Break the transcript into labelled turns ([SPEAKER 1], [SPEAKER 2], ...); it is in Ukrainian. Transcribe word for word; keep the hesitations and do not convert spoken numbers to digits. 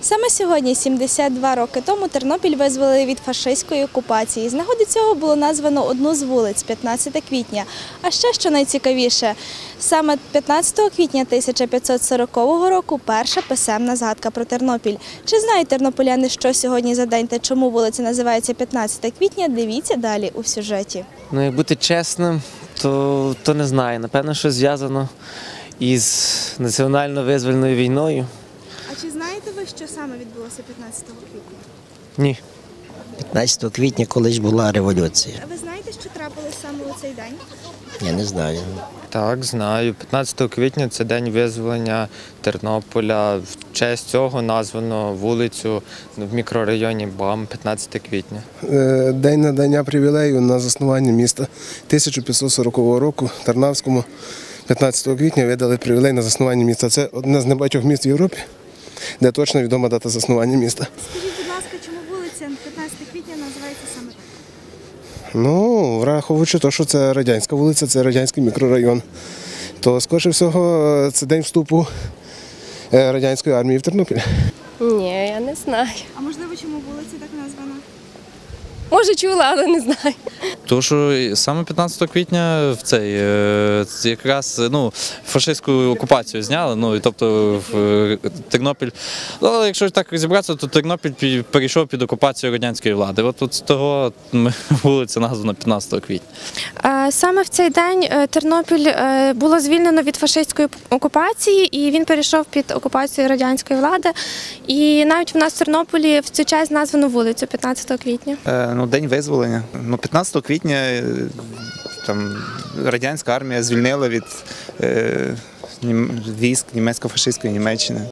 [SPEAKER 1] Саме сьогодні, сімдесят два роки тому, Тернопіль визволили від фашистської окупації. З нагоди цього було названо одну з вулиць – п'ятнадцяте квітня. А ще, що найцікавіше, саме п'ятнадцятого квітня тисяча п'ятсот сорокового року перша писемна згадка про Тернопіль. Чи знають тернополяни, що сьогодні за день та чому вулиця називається п'ятнадцяте квітня, дивіться далі у сюжеті.
[SPEAKER 2] Ну, як бути чесним, то, то не знаю. Напевно, що зв'язано із національно-визвольною війною.
[SPEAKER 1] А чи знаєте ви, що саме відбулося п'ятнадцятого квітня?
[SPEAKER 2] Ні.
[SPEAKER 3] п'ятнадцятого квітня колись була революція.
[SPEAKER 1] А ви знаєте, що трапилось саме у цей день?
[SPEAKER 3] Я не знаю.
[SPEAKER 4] Так, знаю. п'ятнадцятого квітня – це день визволення Тернополя. В честь цього названо вулицю в мікрорайоні БАМ п'ятнадцяте квітня.
[SPEAKER 5] День надання привілею на заснування міста тисяча п'ятсот сорокового року Тарнавському п'ятнадцятого квітня видали привілей на заснування міста. Це одне з небагатьох міст в Європі, де точно відома дата заснування міста.
[SPEAKER 1] Скажіть, будь ласка, чому вулиця п'ятнадцяте квітня називається саме так?
[SPEAKER 5] Ну, враховуючи те, що це радянська вулиця, це радянський мікрорайон, то, скоріше всього, це день вступу радянської армії в Тернопіль.
[SPEAKER 6] Ні, я не знаю.
[SPEAKER 1] А можливо, чому вулиця так названа?
[SPEAKER 6] Може, чула, але не знаю.
[SPEAKER 7] Тому що саме п'ятнадцятого квітня в цей е, якраз ну, фашистську окупацію зняли. Ну і тобто в е, Тернопіль. Ну, але якщо так розібратися, то Тернопіль пі- перейшов під окупацію радянської влади. От, от з того ми- вулиця названа п'ятнадцятого квітня.
[SPEAKER 6] Е, Саме в цей день е, Тернопіль е, було звільнено від фашистської окупації, і він перейшов під окупацію радянської влади. І навіть в нас в Тернополі в цю честь названо вулицю п'ятнадцятого квітня.
[SPEAKER 8] Е, ну, день визволення. Ну, п'ятнадцятого квітня е, там, радянська армія звільнила від е, нім- військ німецько-фашистської Німеччини.